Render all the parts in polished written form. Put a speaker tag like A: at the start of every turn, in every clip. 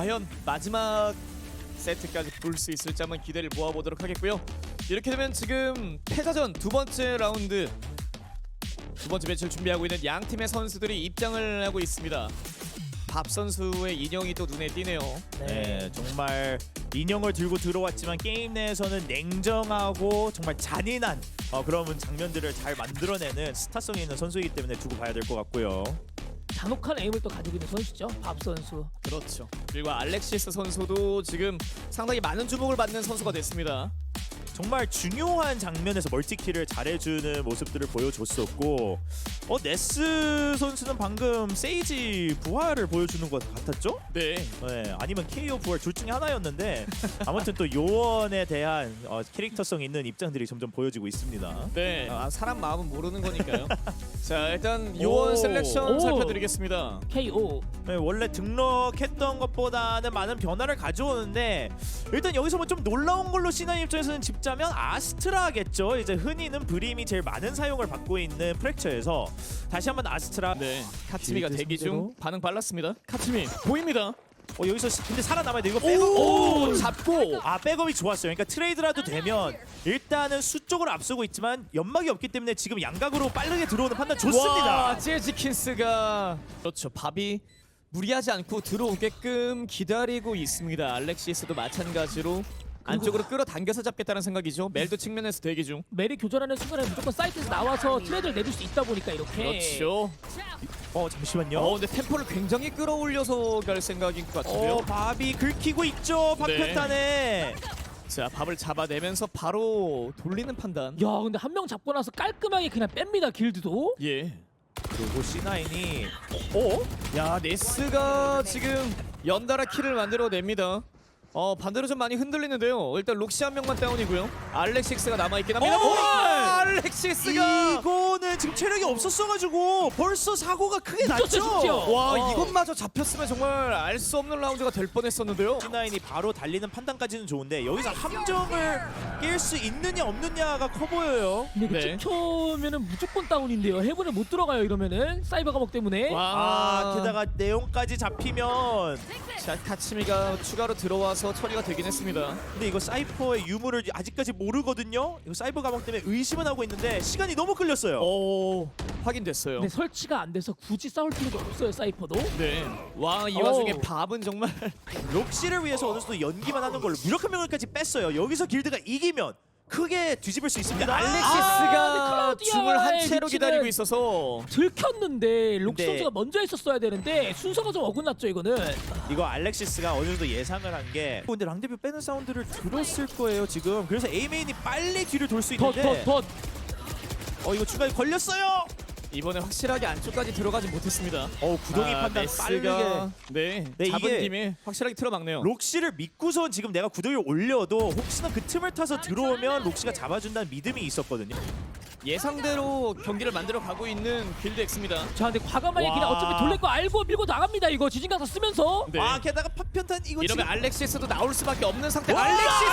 A: 과연 마지막 세트까지 볼 수 있을지 한번 기대를 모아보도록 하겠고요. 이렇게 되면 지금 패자전 두 번째 라운드 두 번째 매치를 준비하고 있는 양 팀의 선수들이 입장을 하고 있습니다. 밥 선수의 인형이 또 눈에 띄네요.
B: 네, 정말 인형을 들고 들어왔지만 게임 내에서는 냉정하고 정말 잔인한 그런 장면들을 잘 만들어내는 스타성이 있는 선수이기 때문에 두고 봐야 될 것 같고요.
C: 잔혹한 에임을 또 가지고 있는 선수죠, 밥 선수.
A: 그렇죠. 그리고 알렉시스 선수도 지금 상당히 많은 주목을 받는 선수가 됐습니다.
B: 정말 중요한 장면에서 멀티킬을 잘해주는 모습들을 보여줬었고 네스 선수는 방금 세이지 부활을 보여주는 것 같았죠?
A: 네.
B: 네, 아니면 KO 부활 둘 중에 하나였는데 아무튼 또 요원에 대한 캐릭터성 있는 입장들이 점점 보여지고 있습니다.
A: 네. 사람 마음은 모르는 거니까요. 자, 일단 요원 셀렉션
C: 오.
A: 살펴드리겠습니다.
C: KO.
B: 네, 원래 등록했던 것보다는 많은 변화를 가져오는데 일단 여기서 뭐 좀 놀라운 걸로 C9 입장에서는 짚자면 아스트라겠죠. 이제 흔히는 브림이 제일 많은 사용을 받고 있는 프랙처에서 다시 한번 아스트라.
A: 네. 카츠미가
B: 길드
A: 대기 중
B: 상대로?
A: 반응 빨랐습니다. 카츠미 보입니다.
B: 여기서 근데 살아남아야 돼. 이거 백업.
A: 오, 잡고.
B: 백업이 좋았어요. 그러니까 트레이드라도 되면 일단은 수 쪽으로 앞서고 있지만 연막이 없기 때문에 지금 양각으로 빠르게 들어오는 판단 좋습니다.
A: 와, 재즈킨스가 그렇죠. 밥이 무리하지 않고 들어오게끔 기다리고 있습니다. 알렉시스도 마찬가지로 안쪽으로 끌어당겨서 잡겠다는 생각이죠. 멜도 측면에서 대기 중.
C: 메리 교전하는 순간에 무조건 사이트에서 나와서 트레이드를 내줄 수 있다 보니까 이렇게.
A: 그렇죠.
B: 잠시만요.
A: 근데 템포를 굉장히 끌어올려서 갈 생각인 것 같은데요.
B: 밥이 긁히고 있죠. 파편탄에.
A: 자, 밥을 잡아내면서 바로 돌리는 판단.
C: 야, 근데 한 명 잡고 나서 깔끔하게 그냥 뺍니다, 길드도.
A: 예.
B: 그리고 C9이
A: 야, 네스가 지금 연달아 킬을 만들어냅니다. 반대로 좀 많이 흔들리는데요. 일단 록시 한 명만 다운이고요. 알렉시스가 남아있긴 합니다. 알렉시스가
B: 이거는 지금 체력이 없었어가지고 벌써 사고가 크게
C: 늦었죠,
B: 났죠.
C: 진짜.
A: 와, 이것마저 잡혔으면 정말 알 수 없는 라운드가 될 뻔했었는데요.
B: C9이 바로 달리는 판단까지는 좋은데 여기서 함정을 깰 수 있느냐 없느냐가 커 보여요.
C: 근데 이거
A: 네.
C: 찍혀면은 무조건 다운인데요. 해븐을 못 들어가요, 이러면은. 사이버 감옥 때문에.
A: 와,
B: 게다가 내용까지 잡히면
A: 자, 카츠미가 추가로 들어와서 처리가 되긴 했습니다.
B: 근데 이거 사이퍼의 유무를 아직까지 모르거든요. 이거 사이버 감옥 때문에 의심은 하고 있는데 시간이 너무 끌렸어요.
A: 확인됐어요.
C: 근데 설치가 안 돼서 굳이 싸울 필요가 없어요, 사이퍼도.
A: 네. 와, 이 와중에
C: 어우.
A: 밥은 정말
B: 록시를 위해서 어느 정도 연기만 하는 걸로 무력한 명을까지 뺐어요. 여기서 길드가 이기면 크게 뒤집을 수 있습니다.
C: 근데
A: 알렉시스가
C: 클라우디아의
A: 줌을 한 채로
C: 위치는
A: 기다리고 있어서
C: 들켰는데 록시
B: 근데-
C: 선수가 먼저 했었어야 되는데 순서가 좀 어긋났죠, 이거는.
B: 이거 알렉시스가 어느 정도 예상을 한 게 근데 랑데뷰 빼는 사운드를 들었을 거예요 지금. 그래서 A메인이 빨리 뒤를 돌 수 있는데
C: 덧.
B: 이거 중간에 걸렸어요.
A: 이번에 확실하게 안쪽까지 들어가지 못했습니다.
B: 구덩이 판단 빠르게.
A: 네,
B: 네,
A: 잡은
B: 이게
A: 김에 확실하게 틀어막네요.
B: 록시를 믿고선 지금 내가 구덩이를 올려도 혹시나 그 틈을 타서 들어오면 록시가 잡아준다는 믿음이 있었거든요.
A: 예상대로 경기를 만들어 가고 있는 빌드 X입니다.
C: 자, 근데 과감하게
B: 와.
C: 그냥 어차피 돌릴 거 알고 밀고 나갑니다, 이거. 지진강타 쓰면서.
A: 네.
B: 게다가 파편탄 이거
A: 이러면
B: 지금
A: 알렉시스도 나올 수밖에 없는 상태.
B: 와,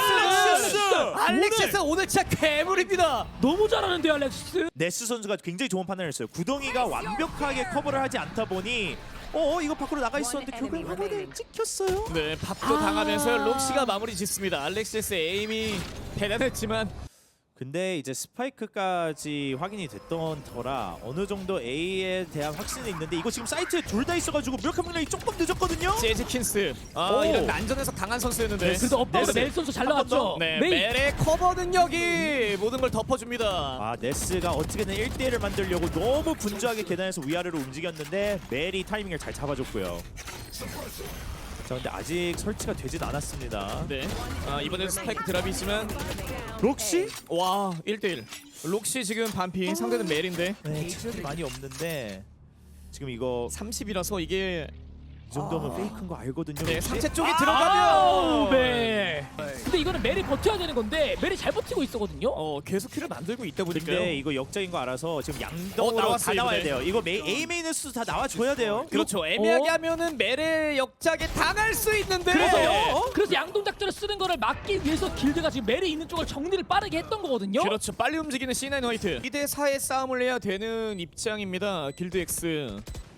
A: 알렉시스 오늘 진짜 괴물입니다.
C: 너무 잘하는데요, 알렉시스.
B: 네스 선수가 굉장히 좋은 판단을 했어요. 구덩이가 완벽하게 커버를 하지 않다 보니 이거 밖으로 나가 있었는데 결국에 화면에 찍혔어요.
A: 네, 밥도 당하면서 록시가 마무리 짓습니다. 알렉시스의 에임이 대단했지만
B: 근데 이제 스파이크까지 확인이 됐던 터라 어느 정도 A에 대한 확신이 있는데 이거 지금 사이트에 둘 다 있어가지고 무력한 명령이 조금 늦었거든요.
A: 재즈킨스
B: 오.
A: 이런 난전에서 강한 선수였는데
C: 그래도 업바우드
A: 네스.
C: 멜 선수 잘
B: 한번
C: 나왔죠.
A: 네,
C: 메이.
A: 멜의 커버 능력이 모든 걸 덮어줍니다.
B: 네스가 어떻게든 1대1을 만들려고 너무 분주하게 계단에서 위아래로 움직였는데 멜이 타이밍을 잘 잡아줬고요. 자, 근데 아직 설치가 되진 않았습니다.
A: 네, 이번에도 스파이크 드랍이 있지만
B: 록시?
A: 와, 1대1 록시 지금 반피, 상대는 멜인데
B: 네, 체력이 많이 없는데 지금 이거
A: 30이라서 이게
B: 이 정도면 페이크인 거 알거든요.
A: 네,
B: 록시?
A: 상체 쪽이
C: 아우,
A: 들어가면
C: 멜. 근데 이거는 멜이 버텨야 되는 건데 멜이 잘 버티고 있었거든요.
A: 계속 킬을 만들고 있다 보니까요.
B: 근데 이거 역적인 거 알아서 지금 양동으로
A: 나왔어요,
B: 다 나와야
A: 이번에.
B: 돼요. 이거 A 메인의 수 다 나와줘야 돼요.
A: 그렇죠. 애매하게 하면은 멜의 역작에 당할 수 있는데
C: 그래서 양동 작전을 쓰는 거를 막기 위해서 길드가 지금 멜이 있는 쪽을 정리를 빠르게 했던 거거든요.
A: 그렇죠. 빨리 움직이는 C9 화이트 2대 4의 싸움을 해야 되는 입장입니다. 길드 X.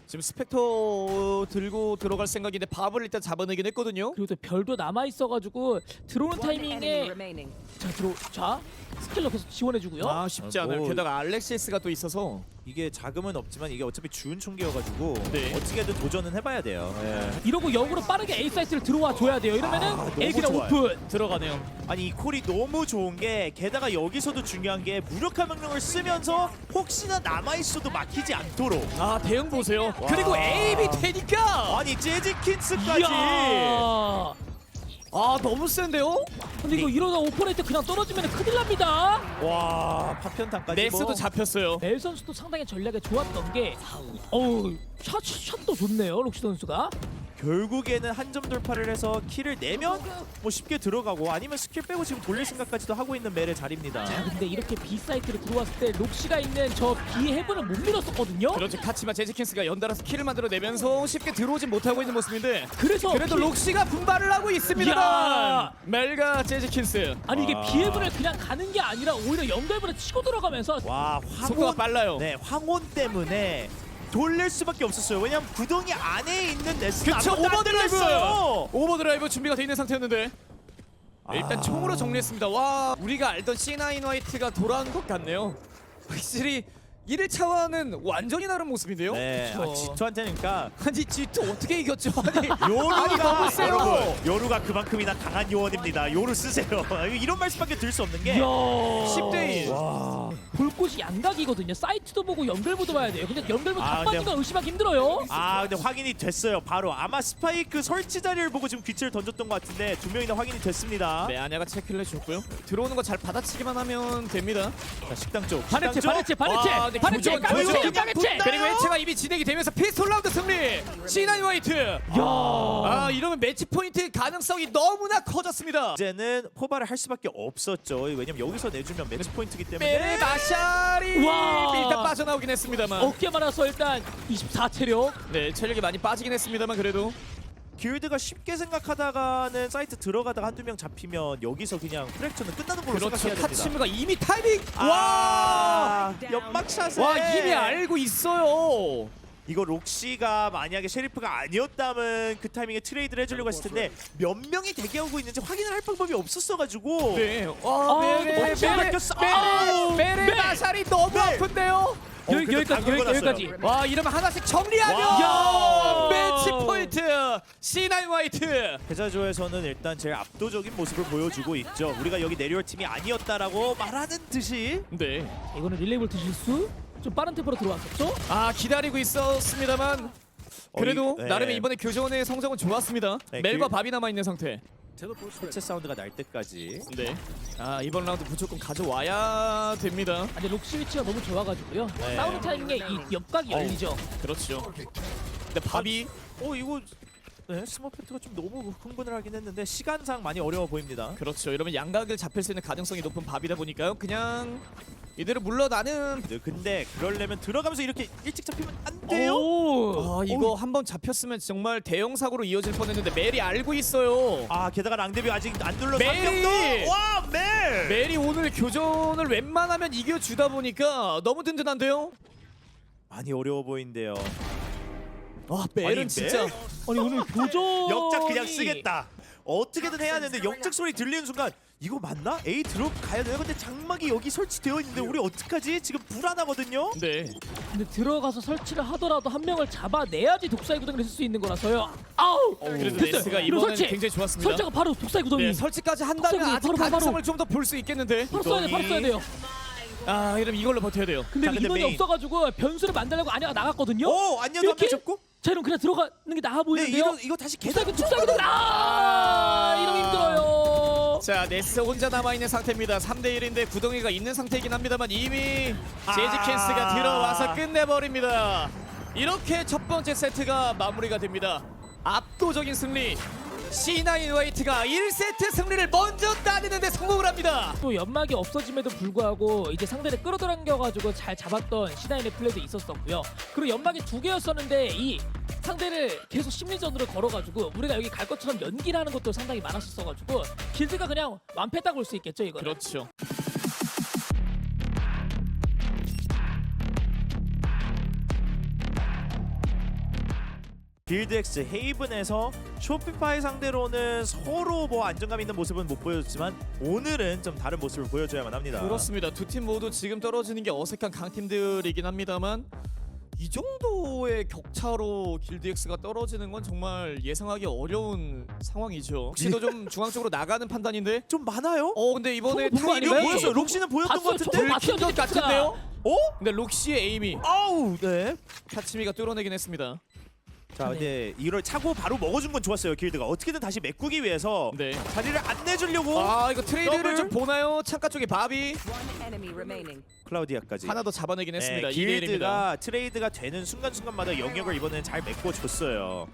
A: 지금 스펙터 들고 들어갈 생각인데 밥을 일단 잡아내긴 했거든요.
C: 그리고 또 별도 남아 있어가지고 들어오는
D: One enemy
C: 타이밍에
D: remaining.
C: 자 스킬러 계속 지원해주고요.
A: 아 쉽지 않아요.
B: 뭐-
A: 게다가 알렉시스가 또 있어서
B: 이게 자금은 없지만 이게 어차피 주운 총기여가지고
A: 네.
B: 어떻게든 도전은 해봐야 돼요.
C: 이러고 역으로 빠르게 A 사이트를 들어와 줘야 돼요. 이러면은
B: 너무
C: A 그냥
B: 좋아요.
C: 오픈.
A: 들어가네요.
B: 아니 이 콜이 너무 좋은 게 게다가 여기서도 중요한 게 무력화 명령을 쓰면서 혹시나 남아있어도 막히지 않도록
A: 아 대응 보세요. 그리고 에임이 되니까
B: 아니 재즈킨스까지
C: 이야.
A: 아 너무 센데요?
C: 근데 이거 이러다 오퍼레이트 그냥 떨어지면 큰일 납니다.
B: 와 파편탄까지
A: 네스도
B: 뭐.
A: 잡혔어요.
C: 멜 선수도 상당히 전략이 좋았던 게 샷도 좋네요. 록시 선수가.
B: 결국에는 한 점 돌파를 해서 킬을 내면 뭐 쉽게 들어가고 아니면 스킬 빼고 지금 돌릴 생각까지도 하고 있는 멜의 자리입니다.
C: 자 근데 이렇게 B 사이트로 들어왔을 때 록시가 있는 저 B 헤븐을 못 밀었었거든요.
A: 그렇죠. 카치마 제지킨스가 연달아서 킬을 만들어내면서 쉽게 들어오진 못하고 있는 모습인데
C: 그래서
A: 그래도 록시가 분발을 하고 있습니다만
C: 야!
A: 멜과 제지킨스
C: 아니 이게
B: 와.
C: B 헤븐을 그냥 가는 게 아니라 오히려 연결분을 치고 들어가면서
B: 와
A: 속도가
B: 황혼
A: 빨라요.
B: 네 황혼 때문에 돌릴 수밖에 없었어요. 왜냐면 구덩이 안에 있는 네스는
A: 그쵸,
B: 아무것도 안
A: 오버드라이브!
B: 들렸어요.
A: 오버드라이브 준비가 돼 있는 상태였는데 일단
B: 아.
A: 총으로 정리했습니다. 와 우리가 알던 C9 화이트가 돌아온 것 같네요. 확실히 1차와는 완전히 다른 모습인데요.
B: 네,
C: 그쵸.
B: 지투한테는 그러니까
A: 아니 G2 어떻게 이겼죠? 아니
B: 요루가
A: 너무 세요.
B: 여러분, 요루가 그만큼이나 강한 요원입니다. 요루 쓰세요. 이런 말씀밖에 드릴 수 없는 게
C: 이야
A: 10대 1.
B: 와.
C: 볼 곳이 양각이거든요. 사이트도 보고 연결부도 봐야 돼요. 근데 연결부
B: 아,
C: 다 빠진 건 의심하기 힘들어요.
B: 아 근데 확인이 됐어요. 바로 아마 스파이크 설치 자리를 보고 지금 귀치를 던졌던 것 같은데 두 명이나 확인이 됐습니다.
A: 네 아냐가 체크를 해줬고요. 들어오는 거 잘 받아치기만 하면 됩니다.
B: 자, 식당 쪽.
C: 바네체
B: 식당 쪽.
A: 와, 근데
C: 바네체
A: 교전,
C: 까메체
A: 교전.
C: 까메체.
A: 그리고 해체가 이미 진행이 되면서 피스톨 라운드 승리. C9 화이트.
C: 야.
A: 아 이러면 매치 포인트 가능성이 너무나 커졌습니다.
B: 이제는 포발을 할 수밖에 없었죠. 왜냐면 여기서 내주면 매치 포인트이기 때문에.
A: 메레 마샬이
C: 와.
A: 일단 빠져나오긴 했습니다만.
C: 어깨 많아서 일단 24체력.
A: 네 체력이 많이 빠지긴 했습니다만 그래도
B: 길드가 쉽게 생각하다가는 사이트 들어가다가 한두 명 잡히면 여기서 그냥 프랙처는 끝나는 걸로
A: 그렇죠.
B: 생각해야 됩니다.
A: 타치무가 이미 타이밍.
B: 와 연막샷에
A: 와 이미 알고 있어요.
B: 이거 록시가 만약에 셰리프가 아니었다면 그 타이밍에 트레이드를 해주려고 했을 텐데 몇 명이 대기하고 있는지 확인을 할 방법이 없었어가지고
A: 네.
C: 아,
A: 와 메레
C: 멋지게
B: 바뀌었어.
A: 메레
C: 네.
A: 마샬이 너무 아픈데요.
B: 그래도
C: 여기까지
B: 다
C: 여기까지.
A: 와 이러면 하나씩 정리하면
C: 와.
A: 매치 포인트 C9 화이트.
B: 패자조에서는 일단 제일 압도적인 모습을 보여주고 있죠. 우리가 여기 내려올 팀이 아니었다라고 말하는 듯이
A: 네.
C: 이거는 릴레이볼트 실수. 좀 빠른 템포로 들어왔었죠.
A: 아 기다리고 있었습니다만 그래도
B: 네.
A: 나름의 이번에 교전의 성적은 좋았습니다.
B: 네,
A: 멜과 밥이 남아 있는 상태.
B: 해체 사운드가 날 때까지
A: 네. 아 이번 라운드 무조건 가져와야 됩니다.
C: 근데 록시 위치가 너무 좋아가지고요.
B: 네.
C: 싸우는 타이밍에 이 옆각이 열리죠.
A: 그렇죠. 근데 밥이
B: 이거 네, 스머페트가 좀 너무 흥분을 하긴 했는데 시간상 많이 어려워 보입니다.
A: 그렇죠. 이러면 양각을 잡힐 수 있는 가능성이 높은 밥이다 보니까요. 그냥 이대로 물러나는.
B: 네, 근데 그러려면 들어가면서 이렇게 일찍 잡히면 안 돼요.
C: 오.
A: 아 이거 한번 잡혔으면 정말 대형 사고로 이어질 뻔했는데 멜이 알고 있어요.
B: 아 게다가 랑데비 아직 안 눌러.
A: 메리!
B: 와 멜!
A: 멜이 오늘 교전을 웬만하면 이겨주다 보니까 너무 든든한데요.
B: 많이 어려워 보이는데요.
A: 아 멜은
B: 아니,
A: 진짜.
B: 멜?
C: 아니 오늘 교전
B: 역작 그냥 쓰겠다. 어떻게든 해야 되는데 역작 소리 들리는 순간 이거 맞나? A 들어가야 돼요. 근데 장막이 여기 설치되어 있는데 우리 어떡하지? 지금 불안하거든요.
A: 네.
C: 근데 들어가서 설치를 하더라도 한 명을 잡아내야지 독사의 구덩이를 쓸 수 있는 거라서요. 아우.
A: 그래도
C: 됐어요.
A: 네스가
C: 이거
A: 이번엔
C: 설치.
A: 굉장히 좋았습니다.
C: 설치가 바로 독사의 구덩이.
A: 네, 설치까지 한다면
C: 바로,
A: 아직
C: 바로, 바로.
A: 가능성을 좀 더 볼 수 있겠는데.
C: 바로 써야 돼. 바로 써야 돼요.
A: 아 이러면 이걸로 버텨야 돼요.
C: 근데
B: 자, 근데
C: 인원이
B: 메인.
C: 없어가지고 변수를 만들려고 아냐가 나갔거든요.
B: 오 안녕도 한명
C: 이렇게?
B: 잡고.
C: 자 이럼 그냥 들어가는 게 나아
B: 네
C: 보이는데요.
B: 이거 다시 계속
C: 독사의 구덩이. 이러면 힘들어요.
A: 자 네스 혼자 남아있는 상태입니다. 3대1인데 구덩이가 있는 상태이긴 합니다만 이미 제지켄스가 들어와서 끝내버립니다. 이렇게 첫 번째 세트가 마무리가 됩니다. 압도적인 승리. C9 화이트가 1세트 승리를 먼저 따내는데 성공을 합니다.
C: 또 연막이 없어짐에도 불구하고 이제 상대를 끌어당겨가지고 잘 잡았던 C9의 플레이도 있었었고요. 그리고 연막이 2개였었는데 이 상대를 계속 심리전으로 걸어가지고 우리가 여기 갈 것처럼 연기를 하는 것도 상당히 많았었어가지고 길드가 그냥 완패했다고 볼 수 있겠죠 이거는.
A: 그렇죠.
B: 빌드엑스 헤이븐에서 쇼피파이 상대로는 서로 뭐 안정감 있는 모습은 못 보여줬지만 오늘은 좀 다른 모습을 보여줘야만 합니다.
A: 그렇습니다. 두 팀 모두 지금 떨어지는 게 어색한 강팀들이긴 합니다만 이 정도의 격차로 길드엑스가 떨어지는 건 정말 예상하기 어려운 상황이죠. 혹시도 좀 중앙 쪽으로 나가는 판단인데
B: 좀 많아요?
A: 근데 이번에
C: 저거 보는 거
A: 타이밍이
C: 아닌가요?
B: 보였어요. 록시는 보였던 것
C: 봤어요.
B: 같은데?
C: 저거
A: 들킨 것
C: 봤어요,
A: 같은데요?
B: 어?
A: 근데 록시의 에임이
B: 아우 네.
A: 타치미가 뚫어내긴 했습니다.
B: 자 근데 이걸 차고 바로 먹어준 건 좋았어요. 길드가 어떻게든 다시 메꾸기 위해서
A: 네.
B: 자리를 안 내주려고
A: 이거 트레이드를
B: 더블.
A: 좀 보나요? 창가 쪽에 바비
D: One enemy remaining.
B: 클라우디아까지.
A: 하나 더 잡아내긴 했습니다.
B: 네,
A: 2대1입니다.
B: 길드가 트레이드가 되는 순간순간마다 영역을 이번에는 잘 메꿔줬어요.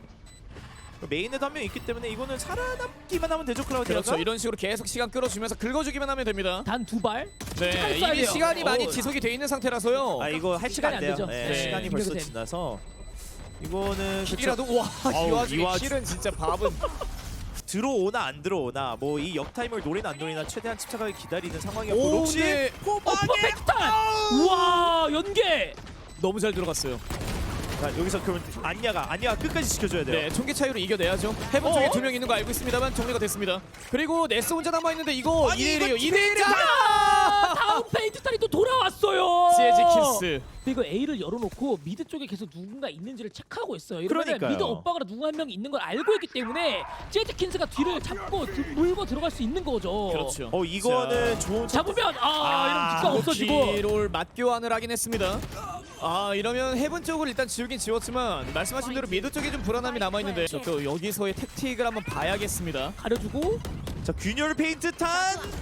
B: 메인에도 한 명 있기 때문에 이거는 살아남기만 하면 되죠, 클라우디아가.
A: 그렇죠. 이런 식으로 계속 시간 끌어주면서 긁어주기만 하면 됩니다.
C: 단 2발.
A: 네,
C: 쏴야
A: 이미
C: 돼요.
A: 시간이 많이
C: 어.
A: 지속이 돼 있는 상태라서요.
B: 아 이거 할 시간 안 돼요.
C: 되죠.
B: 네,
A: 네.
B: 시간이 벌써
C: 이겨도
B: 지나서 이거는
A: 킬이라도 와, 이
B: 어우,
A: 와중에
B: 이 와중-
A: 킬은 진짜 밥은
B: 들어오나 안 들어오나 뭐 이 역타임을 노리나 안 노리나 최대한 침착하게 기다리는 상황이었고
A: 오,
B: 록시
A: 네.
B: 포방에
C: 퍼펙트탄! 우와 연계!
A: 너무 잘 들어갔어요.
B: 자 여기서 그러면 안야가 끝까지 지켜줘야 돼요.
A: 네, 총기 차이로 이겨내야죠. 해본 쪽에 2명 있는 거 알고 있습니다만 정리가 됐습니다. 그리고 네스 혼자 남아 있는데 이거
B: 아니,
A: 2대1이에요.
B: 이거
A: 2대1이야.
C: 다음 페인트탄이 또 돌아왔어요.
A: 재즈키스.
C: 근데 이거 A를 열어놓고 미드 쪽에 계속 누군가 있는지를 체크하고 있어요. 이러면
B: 그러니까요.
C: 미드 오빠가 누구 한 명 있는 걸 알고 있기 때문에 재즈킨스가 뒤를 잡고 물고 들어갈 수 있는 거죠.
A: 그렇죠.
B: 이거는 좋은
C: 잡으면 이러면 뒷각 없어지고.
A: 롤 맞교환을 하긴 했습니다. 이러면 해븐 쪽을 일단 지우긴 지웠지만 말씀하신 대로 미드 쪽에 좀 불안함이 남아 있는데 또 여기서의 택틱을 한번 봐야겠습니다.
C: 가려주고
B: 자 균열 페인트 탄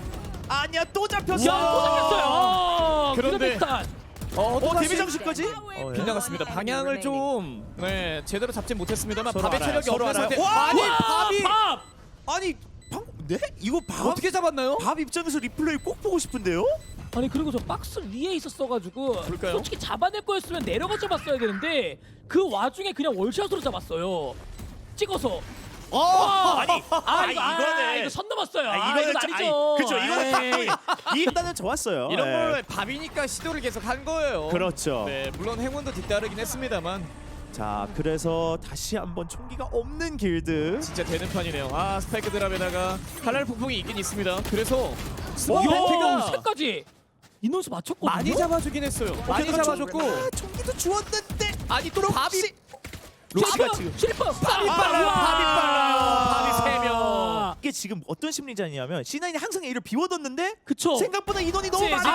B: 아니야 또 잡혔어.
C: 야 또 잡혔어요.
A: 그런데-
C: 그런데
B: 데뷔 장식까지?
A: 빗나갔습니다. 방향을 좀 제대로 잡진 못했습니다만
B: 서로
A: 밥의
B: 알아요.
A: 체력이
B: 서로
A: 없는
B: 알아요.
A: 상태.
B: 와!
A: 아니
C: 와,
A: 밥이
C: 밥!
B: 아니 방금 네? 이거 밥
A: 어떻게 잡았나요?
B: 밥 입장에서 리플레이 꼭 보고 싶은데요?
C: 아니 그리고 저 박스 위에 있었어가지고
A: 그럴까요?
C: 솔직히 잡아낼 거였으면 내려가 잡았어야 되는데 그 와중에 그냥 월샷으로 잡았어요. 찍어서.
B: 아니
C: 이거는 이거 선 넘었어요.
B: 이거는
C: 이건 아니죠.
B: 그렇죠. 이거는
C: 에이.
B: 이 판단은 좋았어요.
A: 이런
B: 네.
A: 걸 밥이니까 시도를 계속 한 거예요.
B: 그렇죠.
A: 네, 물론 행운도 뒤따르긴 했습니다만
B: 자 그래서 다시 한번 총기가 없는 길드.
A: 진짜 되는 판이네요. 스파이크 드랍에다가 칼날 폭풍이 있긴 있습니다. 그래서
C: 야,
A: 스파이크가
C: 새까지 인원수 맞췄거든요.
A: 많이 잡아주긴 했어요. 많이
B: 게다가
A: 잡아줬고
B: 총기도 주었는데
A: 아니 또 밥이
B: 록시가 지금
C: 실버
A: 밥이 빨라요. 밥이 빨라요. 밥이 3명.
B: 이게 지금 어떤 심리전이냐면 C9이 항상 A를 비워뒀는데
C: 그쵸.
B: 생각보다 인원이 너무
A: 재즈키스.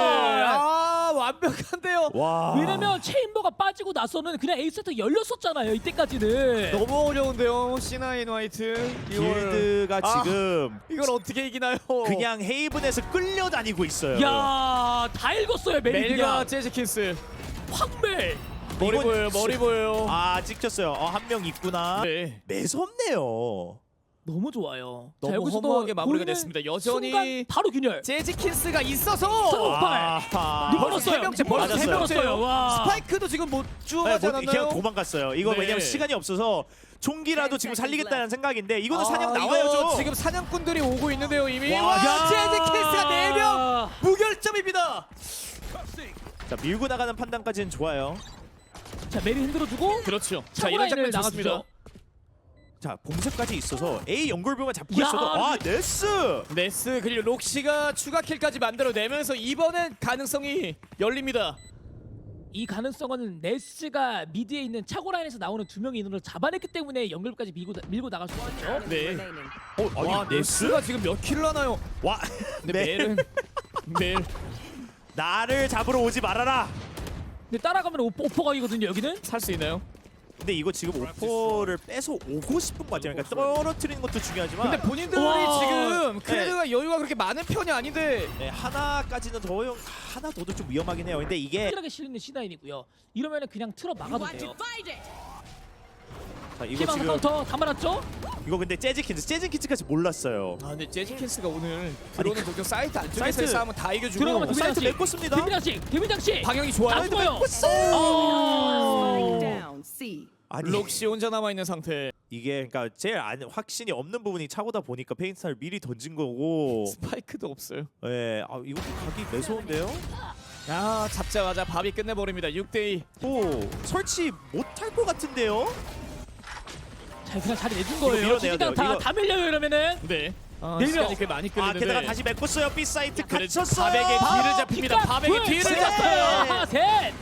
B: 많아.
A: 완벽한데요.
B: 와.
C: 왜냐면 체인버가 빠지고 나서는 그냥 A 세트 열렸었잖아요. 이때까지는.
A: 너무 어려운데요. C9 화이트.
B: 길드가 지금
A: 이걸 어떻게 이기나요?
B: 그냥 헤이븐에서 끌려다니고 있어요.
C: 야, 다 읽었어요. 멜이
A: 멜과
C: 그냥
A: 재즈키스.
C: 확멜.
A: 머리
B: 이건
A: 보여요. 머리 보여요.
B: 찍혔어요. 한 명 있구나.
A: 네.
B: 매섭네요.
C: 너무 좋아요.
A: 너무
C: 자, 여기서도
A: 허무하게 마무리가
C: 보이는
A: 됐습니다. 여전히
C: 순간 바로 균열.
A: 재즈키스가 있어서
C: 팔.
A: 벌써 세 명째, 벌써 세
C: 벌었어요. 와.
A: 스파이크도 지금 못 주워가지
B: 그냥
A: 않았나요?
B: 도망갔어요. 이거
A: 네.
B: 왜냐면 시간이 없어서 총기라도 지금 살리겠다는 생각인데 이거는 사냥 나와야죠.
A: 이거 지금 사냥꾼들이 오고 있는데요 이미.
B: 와,
A: 와,
C: 야.
A: 재즈키스가 4명 무결점입니다.
B: 자 밀고 나가는 판단까지는 좋아요.
C: 자, 멜이 흔들어주고.
A: 그렇죠. 자
C: 차고
A: 이런
C: 라인을
A: 장면 좋습니다.
C: 나가주죠.
B: 자 봉쇄까지 있어서 A 연골병을 잡고
C: 야,
B: 있어도 네스.
A: 네스 그리고 록시가 추가 킬까지 만들어내면서 이번엔 가능성이 열립니다.
C: 이 가능성은 네스가 미드에 있는 차고 라인에서 나오는 2명의 인원을 잡아냈기 때문에 연결까지 밀고 나갈 수 있죠.
A: 네.
D: Remaining.
A: 와 네스가 지금 몇 킬을 하나요?
B: 와
A: 근데
B: 네.
A: 멜은 멜
B: 나를 잡으러 오지 말아라.
C: 근데 따라가면 오퍼각이거든요. 여기는.
A: 살 수 있나요?
B: 근데 이거 지금 오퍼를 빼서 오고 싶은 것 같아요. 그러니까 떨어뜨리는 것도 중요하지만
A: 근데 본인들이
C: 와.
A: 지금 크레드가 여유가 그렇게 많은 편이 아닌데
B: 네, 하나까지는 하나 더도 좀 위험하긴 해요. 근데 이게
C: 확실하게 실리는 C9이고요. 이러면은 그냥 틀어 막아도 돼요.
B: 자, 이거
C: 피방
B: 지금
C: 카운터 다 말았죠?
B: 이거 근데 재즈킨즈까지 몰랐어요.
A: 근데 재즈킨스가 오늘 들어오는 동쪽 사이트 안쪽에서의
B: 사이트
A: 싸움은 다 이겨주고
C: 들어가면 두
B: 사이트
C: 장씩.
B: 메꿨습니다.
C: 데뷔장식.
A: 방향이
C: 다
A: 좋아요.
C: 죽어요.
D: Spike
C: 어.
D: down. C.
B: 아니
A: 록시 혼자 남아있는 상태.
B: 이게 그러니까 제일 확신이 없는 부분이 차고다 보니까 페인트를 미리 던진 거고.
A: 스파이크도 없어요.
B: 예, 이거 가기 매서운데요.
A: 야 잡자마자 밥이 끝내버립니다. 6대2.
B: 또 설치 못할 것 같은데요.
C: 자, 그냥 자리 내준
B: 이거
C: 거예요.
B: 밀어내야
C: 지지당
B: 돼요. 이거.
C: 다 밀려요 이러면은.
A: 네.
C: 네
A: 시간이
C: 명.
A: 꽤 많이
B: 아
A: 끌리는데.
B: 게다가 다시 메꿨어요. B 사이트
A: 그래,
B: 갇혔어요.
A: 바백의 뒤를 잡힙니다.
C: 피카
A: 바백의
C: 둘,
A: 뒤를
C: 셋.
A: 잡아요.
C: 하나, 셋.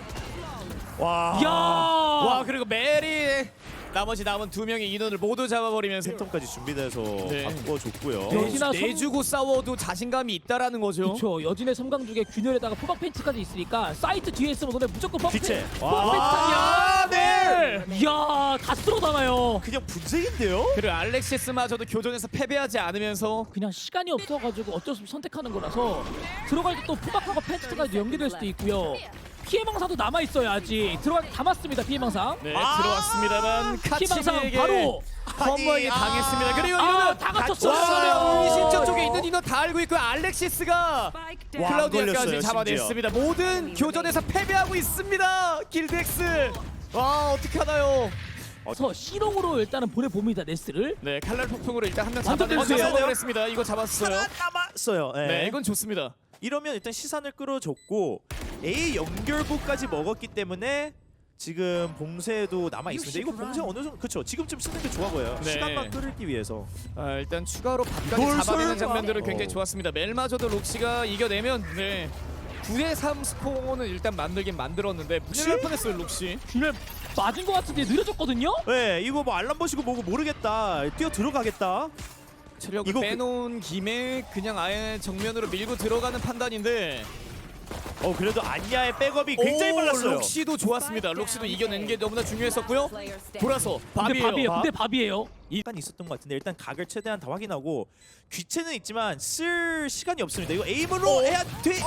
B: 와.
C: 야.
A: 와 그리고 메리 나머지 남은 두 명의 인원을 모두 잡아버리면서
B: 팬텀까지 준비돼서
A: 네.
B: 바꿔줬고요.
C: 여기나
A: 내주고 싸워도 자신감이 있다라는 거죠.
C: 그렇죠. 여진의 섬광죽에 균열에다가 포박 팬츠까지 있으니까 사이트 뒤에 있으면 너네 무조건 포박
B: 귀체.
C: 팬츠.
B: 와.
A: 아, 네.
C: 이야, 다 쓸어담아요.
B: 그냥 분색인데요?
A: 그리고 알렉시스마저도 교전에서 패배하지 않으면서
C: 그냥 시간이 없어가지고 어쩔 수 없이 선택하는 거라서 들어갈 때 또 포박하고 팬츠까지 연계될 수도 있고요. 피해망사도 남아있어요 아직. 들어갈 때 담았습니다 피해망사.
A: 네,
B: 아!
A: 들어왔습니다만
C: 피해망사
A: 카치미에게
C: 바로.
A: 험버에게
B: 아니,
A: 당했습니다. 그리고
C: 아,
A: 이러면
C: 다
A: 와,
C: 갇혔어요.
A: 운신처 쪽에 있는 인원 다 알고 있고 알렉시스가
D: Spike down.
B: 와,
A: 클라우디아까지
B: 걸렸어요,
A: 잡아냈습니다. 모든 교전에서 패배하고 있습니다. 길드엑스. 와 어떻게 하나요?
C: 그래서 C롱으로 일단은 보내봅니다 네스를.
A: 네 칼날 폭풍으로 일단 한 명
C: 완전
A: 잡아내면서
C: 됐어요.
A: 성공을 했습니다. 이거 잡았어요.
B: 하나 남았어요. 네.
A: 네 이건 좋습니다.
B: 이러면 일단 시선을 끌어줬고 A 연결부까지 먹었기 때문에 지금 봉쇄도 남아 있습니다. 이거 봉쇄 어느 정도 그렇죠. 지금쯤 쓰는 게 좋아 보여요.
A: 네.
B: 시간만 끌기 위해서.
A: 아, 일단 추가로 밥까지
B: 이걸
A: 잡아내는
B: 설마?
A: 장면들은 굉장히
B: 어.
A: 좋았습니다. 멜마저도 록시가 이겨내면 네 9대3 스코어는 일단 만들긴 만들었는데 무시할 뻔했어요 록시.
C: 균열 맞은 것 같은데 느려졌거든요.
B: 네, 이거 뭐 알람 보시고 뭐고 모르겠다. 뛰어 들어가겠다.
A: 체력을
B: 이거
A: 빼놓은 김에 그냥 아예 정면으로 밀고 들어가는 판단인데
B: 그래도 안야의 백업이 굉장히 빨랐어요.
A: 록시도 좋았습니다. 록시도 이겨낸 게 너무나 중요했었고요.
D: Player standing.
A: 돌아서
C: 근데
A: 밥이에요.
C: 밥이에요.
B: 밥?
C: 근데 밥이에요.
B: 일단 있었던 것 같은데 일단 각을 최대한 다 확인하고 귀체는 있지만 쓸 시간이 없습니다. 이거 에임으로 해야 돼요.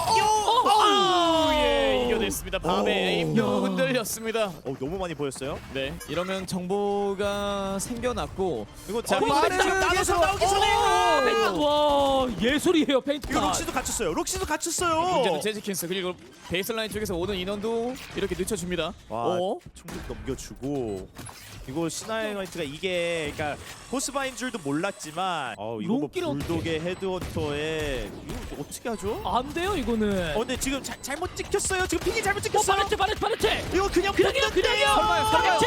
A: 오, 예, 이겨냈습니다. 밥의
B: 오.
A: 에임도
C: 야.
A: 흔들렸습니다.
B: 너무 많이 보였어요.
A: 네, 이러면 정보가 생겨났고
B: 이거
A: 자,
B: 이거
A: 빠르게
B: 지금 나눠서 나오기 전에
C: 펜타 와 예술이에요 펜타.
B: 이거 록시도 갇혔어요. 록시도 갇혔어요.
A: 문제는 재즈킨스 그리고 베이스라인 쪽에서 오는 인원도 이렇게 늦춰줍니다.
B: 와,
A: 오,
B: 총격 넘겨주고 이거 시나이 화이트가 이게 그러니까 포스바인 줄도 몰랐지만 이거 뭐
C: 롱기를
B: 불독의 헤드헌터에 이거 어떻게 하죠?
C: 안 돼요 이거는.
B: 근데 지금 잘못 찍혔어요. 지금 픽이 잘못 찍혔어요.
C: 바레트.
B: 이거 그냥
C: 그냥이요. 바레트.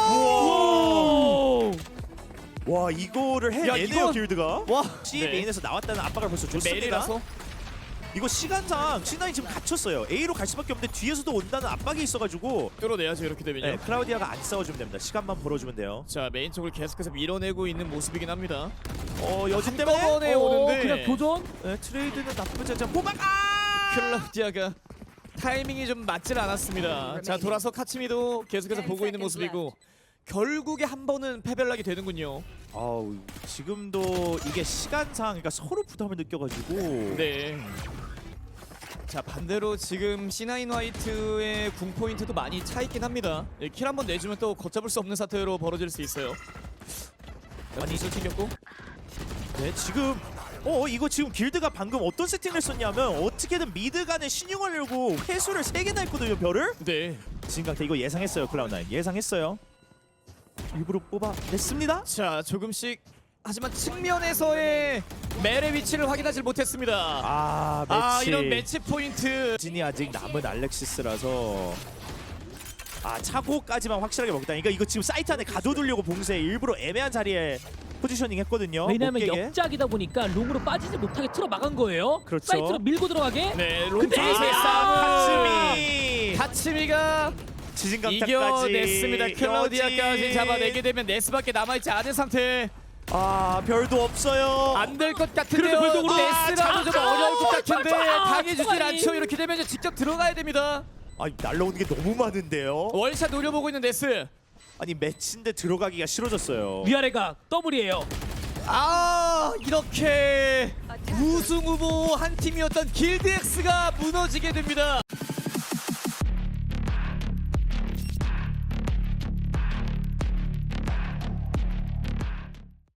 B: 우와.
C: 오.
B: 와 이거를
A: 야,
B: 해내네요
A: 이건-
B: 길드가.
A: 와,
B: C
A: 네.
B: 메인에서 나왔다는 압박을 벌써 줬습니다.
A: 메일이라서
B: 이거 시간상 C9 지금 갇혔어요. A로 갈 수밖에 없는데 뒤에서도 온다는 압박이 있어가지고
A: 뚫어내야죠 이렇게 되면요.
B: 네, 클라우디아가 안 싸워주면 됩니다. 시간만 벌어주면 돼요.
A: 자 메인 쪽을 계속해서 밀어내고 있는 모습이긴 합니다.
B: 여진 때문에
A: 한꺼번에 오는데
C: 그냥 교전.
B: 네, 트레이드는 나쁘지 않죠. 호박
A: 클라우디아가 타이밍이 좀 맞질 않았습니다. 자 돌아서 카치미도 계속해서 보고 있는 모습이고 결국에 한 번은 패배를 하게 되는군요.
B: 지금도 이게 시간상 그러니까 서로 부담을 느껴가지고
A: 네. 자 반대로 지금 C9 화이트의 궁 포인트도 많이 차 있긴 합니다. 킬 한 번 내주면 또 걷잡을 수 없는 사태로 벌어질 수 있어요. 많이 술 챙겼고.
B: 네, 지금 이거 지금 길드가 방금 어떤 세팅을 썼냐면 어떻게든 미드 간에 신용을 열고 회수를 3개나 했거든요 별을.
A: 네.
B: 진강태 이거 예상했어요 클라우드9 예상했어요. 일부러 뽑아냈습니다.
A: 자 조금씩 하지만 측면에서의 멜의 위치를 확인하지 못했습니다.
B: 매치.
A: 이런 매치 포인트.
B: 진이 아직 남은 알렉시스라서 차고까지만 확실하게 먹다. 그러니까 이거 지금 사이트 안에 가둬두려고 봉쇄 일부러 애매한 자리에 포지셔닝 했거든요.
C: 왜냐면
B: 못 깨게.
C: 역작이다 보니까 롱으로 빠지지 못하게 틀어 막은 거예요.
B: 그렇죠.
C: 사이트로 밀고 들어가게.
A: 네,
C: 근데
A: 롱쪽에서의
C: 아!
A: 싸움.
B: 카츠미
A: 카츠미가
B: 지진강타까지
A: 이겨냈습니다. 클라우디아까지
B: 여진.
A: 잡아내게 되면 네스밖에 남아있지 않은 상태.
B: 별도 없어요.
A: 안 될 것 같은데요.
C: 그래도 별도
A: 네스라도 좀 어려울 것 같은데 당해주질
C: 총알이.
A: 않죠. 이렇게 되면 이제 직접 들어가야 됩니다.
B: 날라오는 게 너무 많은데요.
A: 월샷 노려보고 있는 네스.
B: 매치인데 들어가기가 싫어졌어요.
C: 위아래가 더블이에요.
A: 이렇게 우승 후보 한 팀이었던 길드엑스가 무너지게 됩니다.